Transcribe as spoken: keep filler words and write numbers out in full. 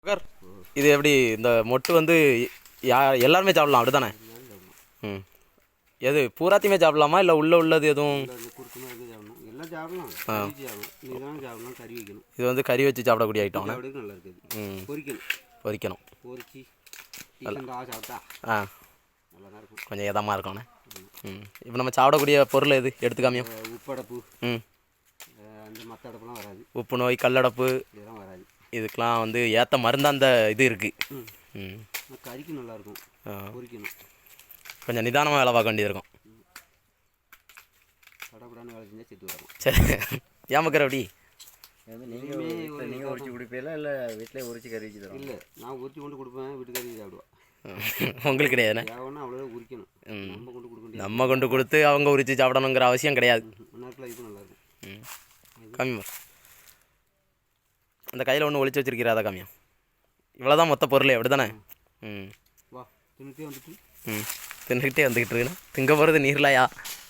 Sir இது எப்படி இந்த மொட்டு வந்து யா எல்லாருமே சாப்பிடலாம் அப்படி தானே? ம் எது பூராத்தையுமே சாப்பிடலாமா இல்லை உள்ளே உள்ளது எதுவும்? இது வந்து கறி வச்சு சாப்பிடக்கூடிய ஐட்டம். ம் பொரிக்கணும். ஆ கொஞ்சம் இதமாக இருக்கணும். ம் இப்போ நம்ம சாப்பிடக்கூடிய பொருள் எது எடுத்துக்காமியும்? உப்படப்பு. ம் அந்த மற்ற அடுப்புலாம் வராது. உப்பு நோய் கல்லடப்பு இதெல்லாம் வராது. இதுக்கெலாம் வந்து ஏற்ற மருந்து அந்த இது இருக்குது. ம் கறிக்கு நல்லாயிருக்கும். பொரிக்கணும். கொஞ்சம் நிதானமாக வேலை பார்க்க வேண்டியது இருக்கும். கடப்படான்னு வேலை செஞ்சால் செத்து வரும். சரி ஏன் மக்கர் அப்படி? நீங்கள் நீங்கள் உரிச்சு கொடுப்பீங்களா இல்லை வீட்டிலே உரிச்சு கறி வச்சு தரோம்? இல்லை, நான் உரிச்சு கொண்டு கொடுப்பேன், வீட்டுக்கறி சாப்பிடுவேன். உங்களுக்கு கிடையாதுண்ணே? தேவைன்னா அவ்வளோ உரிக்கணும். நம்ம கொண்டு கொடுக்க முடியாது. நம்ம கொண்டு கொடுத்து அவங்க உரித்து சாப்பிடணுங்கிற அவசியம் கிடையாது. முன்னாடிலாம் இது நல்லாயிருக்கும். ம் கம்மி அந்த கையில் ஒன்று ஒழிச்சு வச்சிருக்கிறா அதை கம்மியா? இவ்வளோ தான் மொத்த பொருள் அப்படி தானே? ம் வா தின்னுட்டே வந்துட்டு ம் தின்னுக்கிட்டே வந்துக்கிட்டு இருக்குண்ணா. திங்க போகிறது நீர்லாயா?